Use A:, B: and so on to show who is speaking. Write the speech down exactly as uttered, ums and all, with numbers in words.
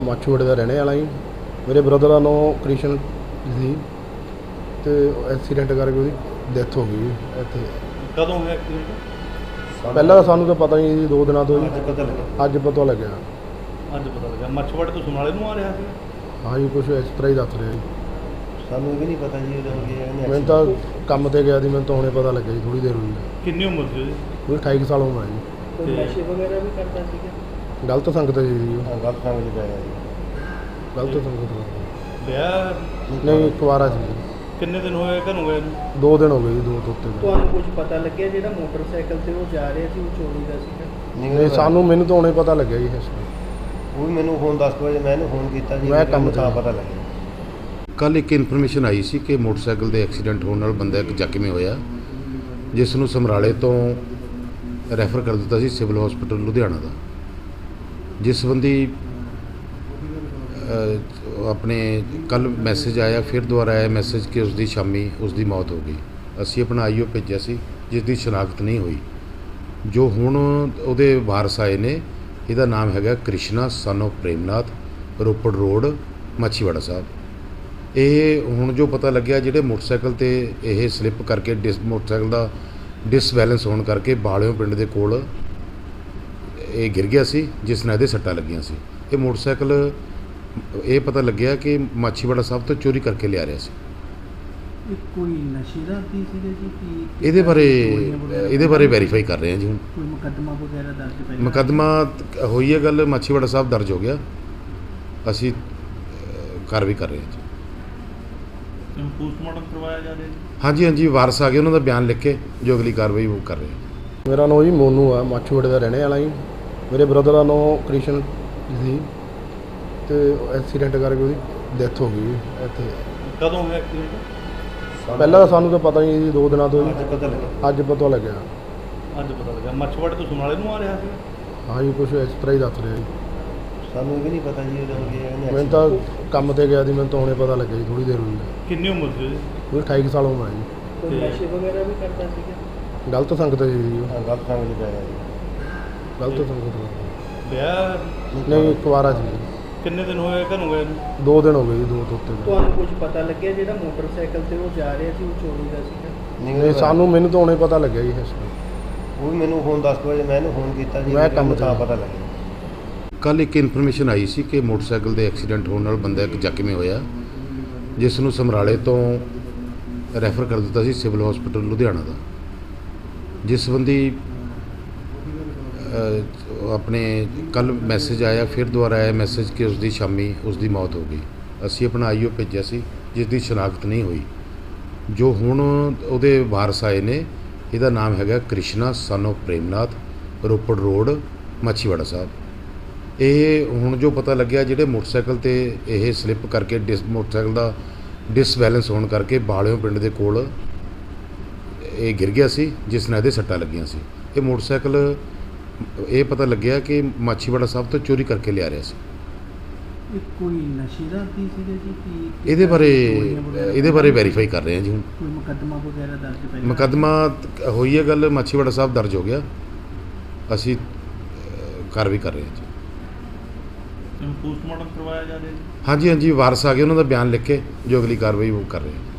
A: ਮਾਛੀਵਾੜੇ ਦਾ ਰਹਿਣੇ ਵਾਲਾ ਜੀ। ਮੇਰੇ ਬ੍ਰਦਰ ਦਾ ਨਾਂ ਕ੍ਰਿਸ਼ਨ ਸੀ ਤੇ ਐਕਸੀਡੈਂਟ ਕਰਕੇ ਉਹਦੀ ਡੈਥ ਹੋ ਗਈ ਇੱਥੇ।
B: ਕਦੋਂ ਹੋਇਆ ਐਕਸੀਡੈਂਟ?
A: ਪਹਿਲਾਂ ਤਾਂ ਸਾਨੂੰ ਤਾਂ ਪਤਾ ਨਹੀਂ ਜੀ, ਦੋ ਦਿਨਾਂ ਤੋਂ
B: ਅੱਜ
A: ਜੀ
B: ਪਤਾ ਲੱਗਾ।
A: ਅੱਜ ਪਤਾ ਲੱਗਿਆ।
B: ਅੱਜ ਪਤਾ ਲੱਗਾ। ਮਾਛੀਵਾੜੇ ਤੋਂ ਸਮਰਾਲੇ ਨੂੰ ਆ ਰਿਹਾ ਸੀ?
A: ਹਾਂ ਜੀ, ਕੁਛ ਇਸ ਤਰ੍ਹਾਂ ਹੀ ਦੱਸ ਰਿਹਾ ਜੀ।
C: ਸਾਨੂੰ ਵੀ ਨਹੀਂ ਪਤਾ ਜੀ ਉਦੋਂ ਕਿ
A: ਮੈਨੂੰ ਤਾਂ ਕੰਮ ਤੇ ਗਿਆ ਸੀ, ਮੈਨੂੰ ਤਾਂ ਹੁਣੇ ਪਤਾ ਲੱਗਿਆ ਜੀ, ਥੋੜੀ ਦੇਰ ਹੋਈ ਹੈ।
B: ਕਿੰਨੀ ਉਮਰ ਸੀ ਉਹਦੀ?
A: ਕੋਈ ਅਠਾਈ ਕੁ ਸਾਲ ਉਮਰ ਹੈ ਜੀ।
B: ਕੋਈ ਨਸ਼ੇ
D: ਵਗੈਰਾ ਵੀ ਕਰਦਾ ਸੀਗਾ?
A: ਗਲਤ ਸੰਗਤ ਹੈ ਜੀ ਉਹ।
C: ਹਾਂ ਗਲਤ ਸੰਗ ਚ ਪੈ ਗਿਆ ਜੀ।
A: ਗਲਤ ਸੰਗਤ ਹੈ।
B: ਵਿਆਹ
A: ਨਹੀਂ, ਇੱਕ ਵਾਰ ਸੀ ਜੀ।
B: ਕਿੰਨੇ ਦਿਨ ਹੋਏ ਘਰੋਂ ਗਏ ਨੂੰ?
A: ਦੋ ਦਿਨ ਹੋ ਗਏ ਜੀ, ਦੋ ਤੋਂ ਉੱਤੇ ਦਿਨ।
D: ਤੁਹਾਨੂੰ ਕੁਝ ਪਤਾ ਲੱਗਿਆ ਜਿਹੜਾ ਮੋਟਰਸਾਈਕਲ ਤੇ ਉਹ ਜਾ ਰਿਹਾ ਸੀ ਉਹ ਚੋਰੀ ਦਾ ਸੀਗਾ?
A: ਨਹੀਂ, ਸਾਨੂੰ ਮੈਨੂੰ ਤਾਂ ਹੁਣੇ ਪਤਾ ਲੱਗਿਆ ਜੀ ਇਸ ਨੂੰ।
C: ਉਹ ਵੀ ਮੈਨੂੰ ਫੋਨ ਦਸ ਕੁ ਵਜੇ ਮੈਂ ਇਹਨੂੰ ਫੋਨ ਕੀਤਾ ਜੀ,
A: ਮੈਂ ਕੰਮ
C: ਤਾਂ
A: ਤੇ।
C: ਪਤਾ ਲੱਗਿਆ।
E: ਕੱਲ੍ਹ ਇੱਕ ਇਨਫੋਰਮੇਸ਼ਨ ਆਈ ਸੀ ਕਿ ਮੋਟਰਸਾਈਕਲ ਦੇ ਐਕਸੀਡੈਂਟ ਹੋਣ ਨਾਲ ਬੰਦਾ ਇੱਕ ਜ਼ਖਮੀ ਹੋਇਆ, ਜਿਸ ਨੂੰ ਸਮਰਾਲੇ ਤੋਂ ਰੈਫਰ ਕਰ ਦਿੱਤਾ ਸੀ ਸਿਵਲ ਹਸਪੀਟਲ ਲੁਧਿਆਣਾ ਦਾ। ਜਿਸ ਸੰਬੰਧੀ ਅ, ਆਪਣੇ ਕੱਲ੍ਹ ਮੈਸੇਜ ਆਇਆ, ਫਿਰ ਦੁਬਾਰਾ ਆਇਆ ਮੈਸੇਜ ਕਿ ਉਸ ਦੀ ਸ਼ਾਮੀ ਉਸ ਦੀ ਮੌਤ ਹੋ ਗਈ। ਅਸੀਂ ਆਪਣਾ ਆਈਓ ਭੇਜਿਆ ਸੀ ਜਿਸ ਦੀ ਸ਼ਨਾਖਤ ਨਹੀਂ ਹੋਈ। ਜੋ ਹੁਣ ਉਹਦੇ ਵਾਰਸ ਆਏ ਨੇ, ਇਹਦਾ ਨਾਮ ਹੈਗਾ Krishna son of Premnath, Ropar road, Machhiwara Sahib. ਇਹ ਹੁਣ ਜੋ ਪਤਾ ਲੱਗਿਆ, ਜਿਹੜੇ ਮੋਟਰਸਾਈਕਲ ਤੇ ਇਹ ਸਲਿੱਪ ਕਰਕੇ ਡਿਸ ਮੋਟਰਸਾਈਕਲ ਦਾ ਡਿਸਬੈਲੈਂਸ ਹੋਣ ਕਰਕੇ ਬਾਲਿਓ ਪਿੰਡ ਦੇ ਕੋਲ ਇਹ ਗਿਰ ਗਿਆ ਸੀ, ਜਿਸ ਨਾਲ ਇਹਦੇ ਸੱਟਾਂ ਲੱਗੀਆਂ ਸੀ। ਇਹ ਮੋਟਰਸਾਈਕਲ ਇਹ ਪਤਾ ਲੱਗਿਆ ਕਿ ਮਾਛੀਵਾੜਾ ਸਾਹਿਬ ਤੋਂ ਚੋਰੀ ਕਰਕੇ ਲਿਆ ਰਿਹਾ ਸੀ।
D: ਇਹ ਕੋਈ ਨਸ਼ੇ ਦਾ ਆਦੀ ਸੀਗਾ ਜੀ ਕਿ
E: ਇਹਦੇ ਬਾਰੇ ਇਹਦੇ ਬਾਰੇ ਵੈਰੀਫਾਈ ਕਰ ਰਹੇ ਹਾਂ ਜੀ। ਹੁਣ
D: ਕੋਈ ਮੁਕੱਦਮਾ ਵਗੈਰਾ ਦਰਜ ਪਹਿਲਾਂ?
E: ਮੁਕੱਦਮਾ ਹੋਈ ਹੈ ਗੱਲ, ਮਾਛੀਵਾੜਾ ਸਾਹਿਬ ਦਰਜ ਹੋ ਗਿਆ। ਅਸੀਂ ਅ, ਕਾਰਵਾਈ ਕਰ ਰਹੇ ਹਾਂ ਜੀ।
B: ਪੋਸਟਮਾਰਟਮ ਕਰਵਾਇਆ ਜਾ ਰਿਹਾ ਜੀ?
E: ਹਾਂਜੀ ਹਾਂਜੀ, ਵਾਰਸ ਆ ਗਏ, ਉਹਨਾਂ ਦਾ ਬਿਆਨ ਲਿਖ ਕੇ ਜੋ ਅਗਲੀ ਕਾਰਵਾਈ ਉਹ ਕਰ ਰਹੇ ਹਾਂ।
A: ਮੇਰਾ ਨਾਂ ਜੀ ਮੋਨੂ ਆ, ਮਾਛੀਵਾੜੇ ਦਾ ਰਹਿਣੇ ਵਾਲਾ ਜੀ। ਮੇਰੇ ਬ੍ਰਦਰ ਦਾ ਨਾਂ ਕ੍ਰਿਸ਼ਨ ਸੀ ਤੇ ਐਕਸੀਡੈਂਟ ਕਰਕੇ ਉਹਦੀ ਡੈਥ ਹੋ ਗਈ ਇੱਥੇ।
B: ਕਦੋਂ ਹੋਇਆ ਐਕਸੀਡੈਂਟ?
A: ਪਹਿਲਾਂ ਤਾਂ ਸਾਨੂੰ ਤਾਂ ਪਤਾ ਨਹੀਂ ਜੀ, ਦੋ ਦਿਨਾਂ ਤੋਂ ਜੀ
C: ਅੱਜ ਪਤਾ ਲੱਗਾ।
A: ਅੱਜ ਪਤਾ ਲੱਗਿਆ।
B: ਅੱਜ ਪਤਾ ਲੱਗਾ। ਮਾਛੀਵਾੜੇ ਤੋਂ ਸਮਰਾਲੇ ਨੂੰ ਆ ਰਿਹਾ ਸੀ?
A: ਹਾਂ ਜੀ, ਕੁਛ ਇਸ ਤਰ੍ਹਾਂ ਹੀ ਦੱਸ ਰਿਹਾ ਜੀ।
C: ਸਾਨੂੰ ਵੀ ਨਹੀਂ ਪਤਾ ਜੀ ਉਦੋਂ ਕਿ
A: ਮੈਨੂੰ ਤਾਂ ਕੰਮ ਤੇ ਗਿਆ ਸੀ, ਮੈਨੂੰ ਤਾਂ ਹੁਣੇ ਪਤਾ ਲੱਗਿਆ ਜੀ, ਥੋੜੀ ਦੇਰ ਹੋਈ ਹੈ।
B: ਕਿੰਨੀ ਉਮਰ ਸੀ ਉਹਦੀ?
A: ਕੋਈ ਅਠਾਈ ਕੁ ਸਾਲ ਉਮਰ ਹੈ ਜੀ।
D: ਕੋਈ ਨਸ਼ੇ ਵਗੈਰਾ ਵੀ ਕਰਦਾ ਸੀਗਾ?
A: ਗਲਤ ਸੰਗਤ ਹੈ ਜੀ ਉਹ।
C: ਹਾਂ ਗਲਤ ਸੰਗ ਚ ਪੈ ਗਿਆ ਜੀ।
A: ਗਲਤ ਸੰਗਤ ਹੈ।
B: ਵਿਆਹ
A: ਨਹੀਂ, ਇੱਕ ਵਾਰ ਸੀ ਜੀ।
B: ਕਿੰਨੇ ਦਿਨ ਹੋਏ ਘਰੋਂ ਗਏ ਨੂੰ?
A: ਦੋ ਦਿਨ ਹੋ ਗਏ ਜੀ, ਦੋ ਤੋਂ ਉੱਤੇ ਦਿਨ।
D: ਤੁਹਾਨੂੰ ਕੁਝ ਪਤਾ ਲੱਗਿਆ ਜਿਹੜਾ ਮੋਟਰਸਾਈਕਲ ਤੇ ਉਹ ਜਾ ਰਿਹਾ ਸੀ ਉਹ ਚੋਰੀ ਦਾ ਸੀਗਾ?
A: ਨਹੀਂ, ਸਾਨੂੰ ਮੈਨੂੰ ਤਾਂ ਹੁਣੇ ਪਤਾ ਲੱਗਿਆ ਜੀ ਇਸ ਨੂੰ।
C: ਉਹ ਵੀ ਮੈਨੂੰ ਫੋਨ ਦਸ ਕੁ ਵਜੇ ਮੈਂ ਇਹਨੂੰ ਫੋਨ ਕੀਤਾ ਜੀ,
A: ਮੈਂ ਕੰਮ
C: ਤਾਂ
A: ਤੇ।
C: ਪਤਾ ਲੱਗਿਆ।
E: ਕੱਲ੍ਹ ਇੱਕ ਇਨਫੋਰਮੇਸ਼ਨ ਆਈ ਸੀ ਕਿ ਮੋਟਰਸਾਈਕਲ ਦੇ ਐਕਸੀਡੈਂਟ ਹੋਣ ਨਾਲ ਬੰਦਾ ਇੱਕ ਜ਼ਖਮੀ ਹੋਇਆ, ਜਿਸ ਨੂੰ ਸਮਰਾਲੇ ਤੋਂ ਰੈਫਰ ਕਰ ਦਿੱਤਾ ਸੀ ਸਿਵਲ ਹਸਪੀਟਲ ਲੁਧਿਆਣਾ ਦਾ। ਜਿਸ ਸੰਬੰਧੀ ਅ, ਆਪਣੇ ਕੱਲ੍ਹ ਮੈਸੇਜ ਆਇਆ, ਫਿਰ ਦੁਬਾਰਾ ਆਇਆ ਮੈਸੇਜ ਕਿ ਉਸ ਦੀ ਸ਼ਾਮੀ ਉਸ ਦੀ ਮੌਤ ਹੋ ਗਈ। ਅਸੀਂ ਆਪਣਾ ਆਈਓ ਭੇਜਿਆ ਸੀ ਜਿਸ ਦੀ ਸ਼ਨਾਖਤ ਨਹੀਂ ਹੋਈ। ਜੋ ਹੁਣ ਉਹਦੇ ਵਾਰਸ ਆਏ ਨੇ, ਇਹਦਾ ਨਾਮ ਹੈਗਾ Krishna son of Premnath, Ropar road, Machhiwara Sahib. ਇਹ ਹੁਣ ਜੋ ਪਤਾ ਲੱਗਿਆ, ਜਿਹੜੇ ਮੋਟਰਸਾਈਕਲ ਤੇ ਇਹ ਸਲਿੱਪ ਕਰਕੇ ਡਿਸ ਮੋਟਰਸਾਈਕਲ ਦਾ ਡਿਸਬੈਲੈਂਸ ਹੋਣ ਕਰਕੇ ਬਾਲਿਓ ਪਿੰਡ ਦੇ ਕੋਲ ਇਹ ਗਿਰ ਗਿਆ ਸੀ, ਜਿਸ ਨਾਲ ਇਹਦੇ ਸੱਟਾਂ ਲੱਗੀਆਂ ਸੀ। ਇਹ ਮੋਟਰਸਾਈਕਲ ਇਹ ਪਤਾ ਲੱਗਿਆ ਕਿ ਮਾਛੀਵਾੜਾ ਸਾਹਿਬ ਤੋਂ ਚੋਰੀ ਕਰਕੇ ਲਿਆ ਰਿਹਾ ਸੀ।
D: ਇਹ ਕੋਈ ਨਸ਼ੇ ਦਾ ਆਦੀ ਸੀਗਾ ਜੀ ਕਿ
E: ਇਹਦੇ ਬਾਰੇ ਇਹਦੇ ਬਾਰੇ ਵੈਰੀਫਾਈ ਕਰ ਰਹੇ ਹਾਂ ਜੀ। ਹੁਣ
D: ਕੋਈ ਮੁਕੱਦਮਾ ਵਗੈਰਾ ਦਰਜ ਪਹਿਲਾਂ?
E: ਮੁਕੱਦਮਾ ਹੋਈ ਹੈ ਗੱਲ, ਮਾਛੀਵਾੜਾ ਸਾਹਿਬ ਦਰਜ ਹੋ ਗਿਆ। ਅਸੀਂ ਅ, ਕਾਰਵਾਈ ਕਰ ਰਹੇ ਹਾਂ ਜੀ।
B: ਪੋਸਟਮਾਰਟਮ ਕਰਵਾਇਆ ਜਾ ਰਿਹਾ ਜੀ?
E: ਹਾਂਜੀ ਹਾਂਜੀ, ਵਾਰਸ ਆ ਗਏ, ਉਹਨਾਂ ਦਾ ਬਿਆਨ ਲਿਖ ਕੇ ਜੋ ਅਗਲੀ ਕਾਰਵਾਈ ਉਹ ਕਰ ਰਹੇ ਹਾਂ।